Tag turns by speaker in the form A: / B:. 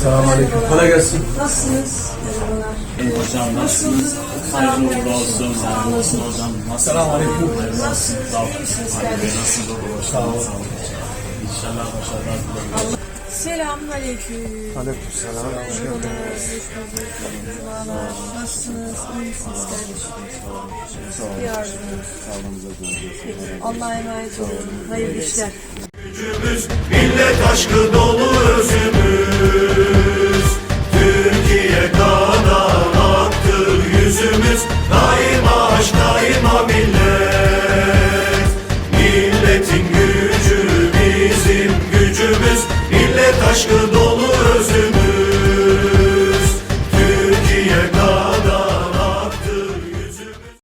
A: Selamünaleyküm. Kolay gelsin.
B: Nasılsınız? Merhabalar.
C: Hocam nasılsınız? Hayırlı uğurlu olsun. Hayırlı olsun hocam.
A: Selamünaleyküm.
B: Nasılsınız? İyi misiniz kardeşim?
C: Nasılsınız? Sağ olun. İnşallah başarılar dilerim.
B: Selamünaleyküm.
A: Aleykümselam.
B: Hoş geldiniz. Merhabalar. Nasılsınız? İyi misiniz kardeşim? Yardımınız. Allah'a emanet olun. Hayırlı işler.
D: Gücümüz millet aşkı dolu özümüz.